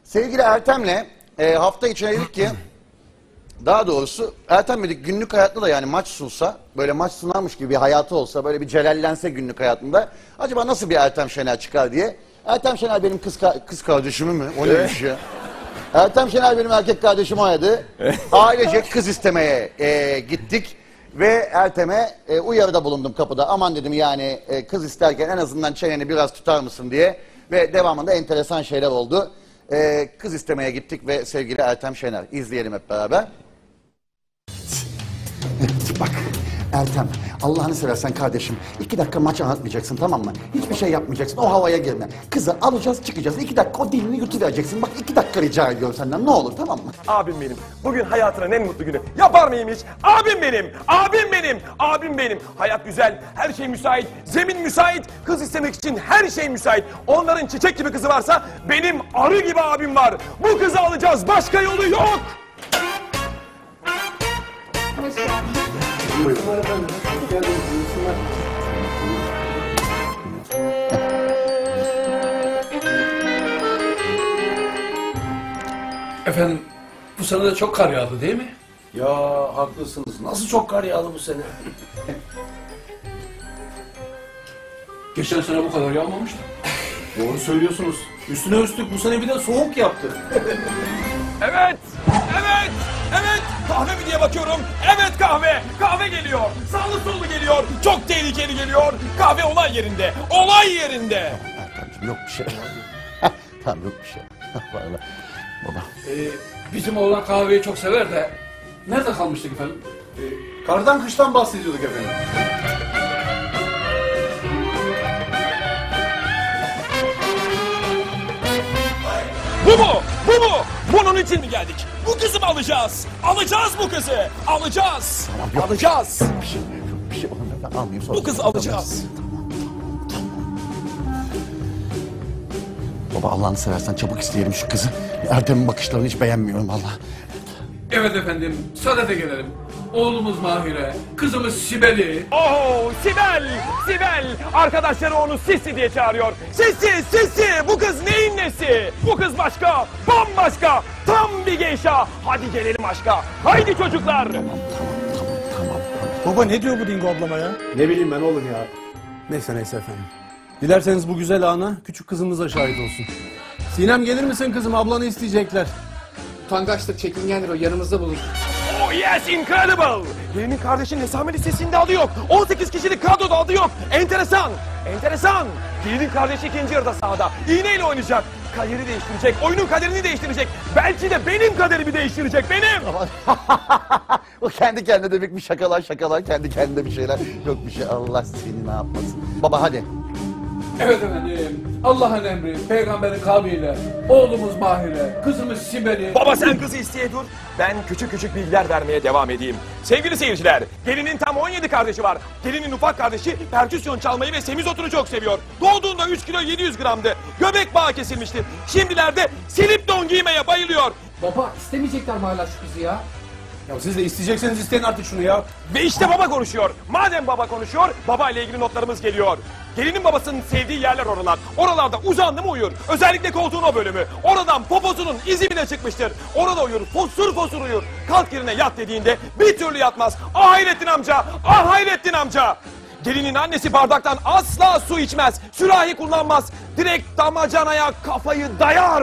Sevgili Ertem'le hafta içine dedik ki, daha doğrusu Ertem dedik günlük hayatta da yani maç sunsa, böyle maç sunarmış gibi bir hayatı olsa, böyle bir celallense günlük hayatında, acaba nasıl bir Ertem Şener çıkar diye. Ertem Şener benim kız kardeşimi mi? O neymiş ya? Ertem Şener benim erkek kardeşim oynadı. Ailece kız istemeye gittik. Ve Ertem'e uyarıda bulundum kapıda. Aman dedim yani kız isterken en azından çeneni biraz tutar mısın diye. Ve devamında enteresan şeyler oldu. Kız istemeye gittik ve sevgili Ertem Şener. İzleyelim hep beraber. Bak Ertem, Allah'ını seversen kardeşim 2 dakika maç anlatmayacaksın, tamam mı? Hiçbir şey yapmayacaksın, o havaya girme. Kızı alacağız çıkacağız, 2 dakika o dilini yutuvereceksin. Bak 2 dakika rica ediyorum senden, ne olur, tamam mı? Abim benim. Bugün hayatının en mutlu günü. Yapar mıyım hiç? Abim benim. Abim benim. Abim benim. Hayat güzel. Her şey müsait. Zemin müsait. Kız istemek için her şey müsait. Onların çiçek gibi kızı varsa benim arı gibi abim var. Bu kızı alacağız. Başka yolu yok. Hoş geldin. Buyurun efendim. Hoş geldiniz. Efendim, bu sene de çok kar yağdı değil mi? Ya haklısınız. Nasıl çok kar yağdı bu sene? Geçen sene bu kadar yağmamıştı. Doğru söylüyorsunuz. Üstüne üstlük bu sene bir de soğuk yaptı. Evet. Evet. Evet. Kahve mi diye bakıyorum. Evet kahve. Kahve geliyor. Sağlı sollu geliyor. Çok tehlikeli geliyor. Kahve olay yerinde. Olay yerinde. Ertem'ciğim yok bir şey. Tamam yok bir şey. Vallahi baba. Bizim oğlan kahveyi çok sever de nerede kalmıştık efendim? Kardan kıştan bahsediyorduk efendim. Bu mu? Bu mu? Bunun için mi geldik? Bu kızı mı alacağız? Alacağız bu kızı. Alacağız. Tamam, yok. Alacağız. Bir şey olur ben almayayım sonra. Bu kızı alacağız. Baba Allah'ını seversen çabuk isteyelim şu kızı. Ertem'in bakışlarını hiç beğenmiyorum vallahi. Evet efendim, sadede gelelim. Oğlumuz Mahire, kızımız Sibel'i. Oh Sibel! Sibel! Arkadaşları onu Sisi diye çağırıyor. Sisi! Sisi! Bu kız neyin nesi? Bu kız başka! Bambaşka! Tam bir geyşa! Hadi gelelim aşka! Haydi çocuklar! Tamam. Baba ne diyor bu Dingo ablama ya? Ne bileyim ben oğlum ya. Neyse efendim. Dilerseniz bu güzel ana küçük kızımız da şahit olsun. Sinem gelir misin kızım, ablanı isteyecekler. Utangaçtır, çekingendir o, yanımızda bulur. Oh yes, incredible! Gelinin kardeşinin hesame listesinde adı yok. 18 kişilik kadroda adı yok. Enteresan! Enteresan! Gelinin kardeşi ikinci yarıda sahada. İğneyle oynayacak. Kaderi değiştirecek. Oyunun kaderini değiştirecek. Belki de benim kaderimi değiştirecek. Benim! O kendi kendine de bir şakalar kendi kendine bir şeyler. Yok bir şey, Allah seni ne yapmasın. Baba hadi. Evet efendim, Allah'ın emri, peygamberin kavliyle, oğlumuz Mahire, kızımız Sibel'i. Baba sen kızı isteye dur. Ben küçük küçük bilgiler vermeye devam edeyim. Sevgili seyirciler, gelinin tam 17 kardeşi var. Gelinin ufak kardeşi perküsyon çalmayı ve semizotunu çok seviyor. Doğduğunda 3 kilo 700 gramdı. Göbek bağı kesilmişti. Şimdilerde silip don giymeye bayılıyor. Baba istemeyecekler mi hala şu kızı ya? Ya siz de isteyecekseniz isteyin artık şunu ya. Ve işte baba konuşuyor. Madem baba konuşuyor, baba ile ilgili notlarımız geliyor. Gelinin babasının sevdiği yerler oralar. Oralarda uzandı mı uyur. Özellikle koltuğun o bölümü. Oradan poposunun izi bile çıkmıştır. Orada uyur, fosur fosur uyur. Kalk yerine yat dediğinde bir türlü yatmaz. Ah Hayrettin amca, ah Hayrettin amca. Gelinin annesi bardaktan asla su içmez. Sürahi kullanmaz. Direkt damacanaya kafayı dayar.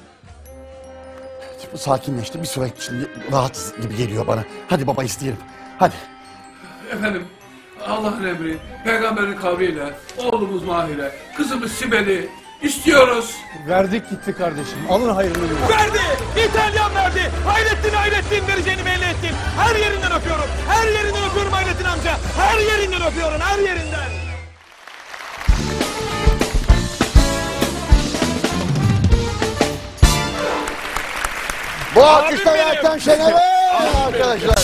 Sakinleşti, bir süre şimdi rahat gibi geliyor bana. Hadi baba isteyelim, hadi. Efendim, Allah'ın emri, peygamberin kavliyle, oğlumuz Mahire, kızımız Sibel'i istiyoruz. Verdik gitti kardeşim. Alın hayrını görün. Verdi! İtalyan verdi! Hayrettin vereceğini belli ettin. Her yerinden öpüyorum. Her yerinden öpüyorum Hayrettin amca. Her yerinden öpüyorum, her yerinden. Bu alkışlar benim. Ertem Şener'e arkadaşlar.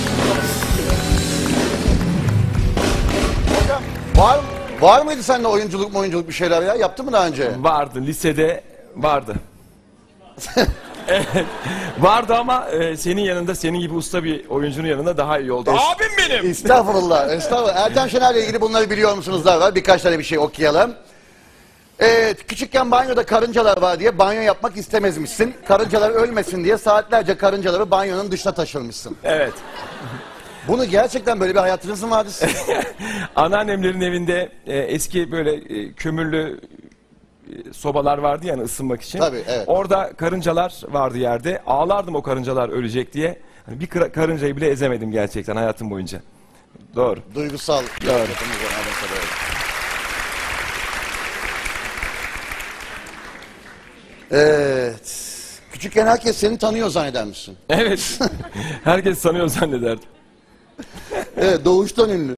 Hocam var mıydı sende oyunculuk bir şeyler ya? Yaptın mı daha önce? Vardı, lisede vardı. Evet, vardı ama senin yanında, senin gibi usta bir oyuncunun yanında daha iyi oldu. Abim benim! Estağfurullah. Ertem Şener'le ilgili bunları biliyor musunuz? Var. Birkaç tane bir şey okuyalım. Evet, küçükken banyoda karıncalar var diye banyo yapmak istemezmişsin. Karıncalar ölmesin diye saatlerce karıncaları banyonun dışına taşırmışsın. Evet. Bunu gerçekten böyle bir hayatınız mı vardı? Anneannemlerin evinde eski böyle kömürlü sobalar vardı yani ısınmak için. Tabii, evet. Orada karıncalar vardı yerde. Ağlardım o karıncalar ölecek diye. Hani bir karıncayı bile ezemedim gerçekten hayatım boyunca. Doğru. Duygusal. Doğru. Evet. Küçükken herkes seni tanıyor zannedermişsin. Evet. Herkes sanıyor zannederdim. Evet, doğuştan ünlü.